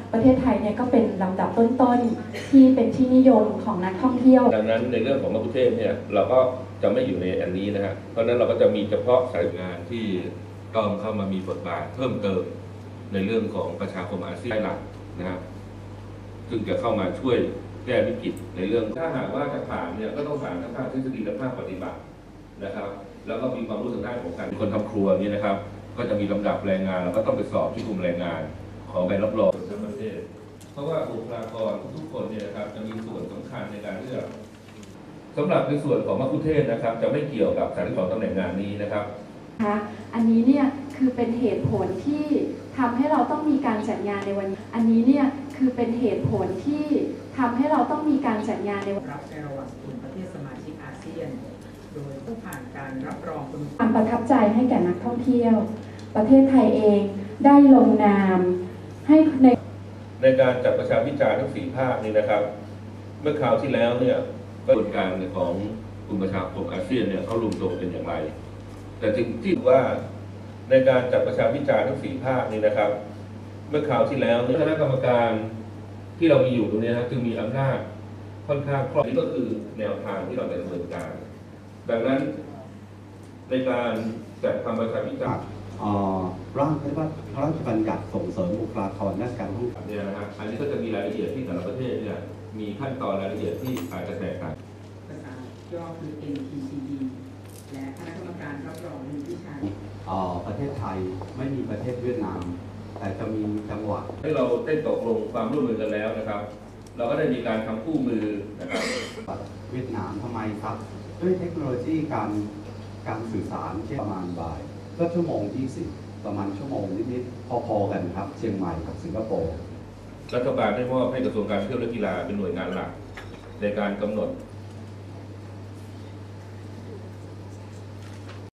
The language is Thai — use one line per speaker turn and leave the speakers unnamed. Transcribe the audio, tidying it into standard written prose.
ประเทศไทยเนี่ยก็เป็นลำดับต้นๆที่เป็นที่นิยมของนักท่องเที่ยว
ดังนั้นในเรื่องของมัคคุเทศก์เนี่ยเราก็จะไม่อยู่ในอันนี้นะฮะเพราะฉะนั้นเราก็จะมีเฉพาะสายงานที่ต้องเข้ามามีบทบาทเพิ่มเติมในเรื่องของประชาคมอาเซียนหลักนะครับซึ่งจะเข้ามาช่วยแก้วิกฤตในเรื่องถ้าหากว่าจะผ่านเนี่ยก็ต้องผ่านทั้งภาคทฤษฎีและภาคปฏิบัตินะครับแล้วก็มีความรู้ทางด้านของการเป็นคนทำครัวนี่นะครับก็จะมีลำดับแรงงานแล้วก็ต้องไปสอบที่กรมแรงงานขอใบรับรองทั้งประเทศเพราะว่าบุคลากรทุกคนเนี่ยนะครับจะมีส่วนสำคัญในการเลือกสำหรับในส่วนของมัคคุเทศก์นะครับจะไม่เกี่ยวกับ32ตำแหน่งงานนี้นะครับ
อันนี้เนี่ยคือเป็นเหตุผลที่ทำให้เราต้องมีการจัดงานในวันนี้อันนี้เนี่ยคือเป็นเหตุผลที่ทำให้เราต้องมีการจัดงานในวัน
รับในระหว่างกลุ่มประเทศสมาชิกอาเซียนโดยผู้ผ่านการรับรอง
ความประทับใจให้แก่นักท่องเที่ยวประเทศไทยเองได้ลงนามให้
ในการจัดประชาพิจารณ์ทั้ง4ภาคนี้นะครับเมื่อคราวที่แล้วเนี่ยกระบวนการของกลุ่มประชาคมอาเซียนเนี่ยเขารวมตัวเป็นอย่างไรแต่ถึงที่ว่าในการจัดประชาพิจารณ์ทั้ง4ภาคนี้นะครับเมื่อคราวที่แล้วคณะกรรมการที่เรามีอยู่ตรงนี้นะจึงมีอำนาจค่อนข้างครอบนี่ก็คือแนวทางที่เราจะดำเนินการดังนั้นในการจัดทำประชาพิจารณ์
ร่างพระราชบัญญัติส่งเสริมบุคลากรด้านการท่องเที่ยว
เนี่ยนะฮะอันนี้ก็จะมีรายละเอียดที่แต่ละประเทศเนี่ยมีขั้นตอนรายละเอียดที่อาจจะแตกต่าง
ภาษาย่อคือ NTCD และคณะกรรมการรับรองมีวิชา
ประเทศไทยไม่มีประเทศเวียดนามแต่จะมีจังหวัด
ให้เราได้ตกลงความร่วมมือกันแล้วนะครับเราก็ได้มีการทำคู่มือนะครับ
เวียดนามทำไมครับด้วยเทคโนโลยีการสื่อสารเช่นประมาณบ่ายก็ชั่วโมง20ประมาณชั่วโมงนิดๆพอๆกันครับเชียงใหม่กับสิงคโปร์
รัฐบาลได้มอบให้กระทรวงการท่องเที่ยวและกีฬาเป็นหน่วยงานหลักในการกำหนด